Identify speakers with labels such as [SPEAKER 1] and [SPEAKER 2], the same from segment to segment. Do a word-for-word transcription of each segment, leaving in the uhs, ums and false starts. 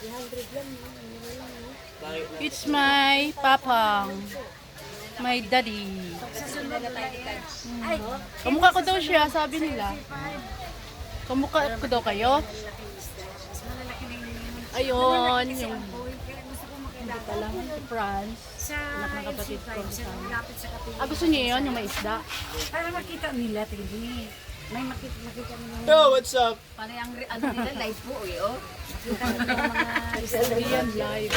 [SPEAKER 1] It's my papang. My daddy.
[SPEAKER 2] Ay,
[SPEAKER 1] Kamukha ko daw siya, sabi nila. Kamukha ko daw kayo?
[SPEAKER 2] malalaki na yung
[SPEAKER 1] Ayun, yung
[SPEAKER 2] boy. Kaya gusto ko makilala.
[SPEAKER 1] pala, France.
[SPEAKER 2] Sa
[SPEAKER 1] Anak ng
[SPEAKER 2] L C
[SPEAKER 1] kapatid ko
[SPEAKER 2] five, sa
[SPEAKER 1] kasama.
[SPEAKER 2] lapit sa kapatid.
[SPEAKER 1] Ah, gusto niyo yun, yung may isda?
[SPEAKER 2] Para makita nila, tingin. May makita, makita nila.
[SPEAKER 3] Yo, what's up?
[SPEAKER 2] Para yung ano nila, live po eh, oh. Makita nila yung mga isda.
[SPEAKER 1] Yan, live.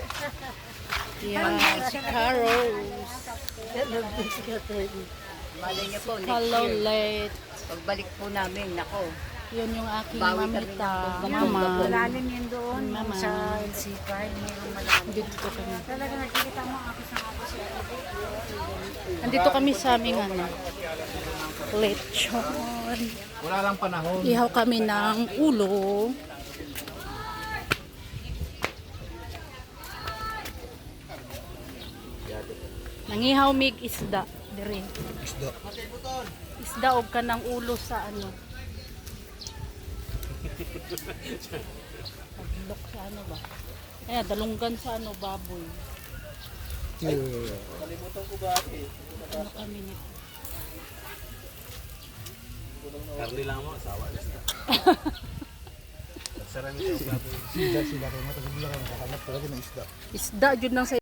[SPEAKER 1] Yes, Carols.
[SPEAKER 4] Malay niyo po, next
[SPEAKER 1] Hello,
[SPEAKER 4] year,
[SPEAKER 1] late.
[SPEAKER 4] pagbalik po namin, nako,
[SPEAKER 1] Yun yung aking
[SPEAKER 4] Bawi kami
[SPEAKER 1] mamita.
[SPEAKER 4] ng
[SPEAKER 1] Mama.
[SPEAKER 2] Malalim yun doon,
[SPEAKER 1] Mama.
[SPEAKER 2] sa L C five, mayroong malalim.
[SPEAKER 1] Dito kami.
[SPEAKER 2] Talaga nakikita mo ako sa ako sa
[SPEAKER 1] Andito kami sa aming ano, lechon.
[SPEAKER 3] Wala lang panahon.
[SPEAKER 1] Ihaw kami ng ulo. Nangihaw mig isda. Dire.
[SPEAKER 3] Isda.
[SPEAKER 1] Isda og ka ng ulo sa ano. Paglok sa ano ba? Eh, dalunggan sa ano, baboy. Ano kami nito?
[SPEAKER 3] Karli lang mo, sawa. Sarami sa isda. Sila, sila. Kaya matagal lang. Nakakanap talaga ng isda.
[SPEAKER 1] Isda, jud nang sa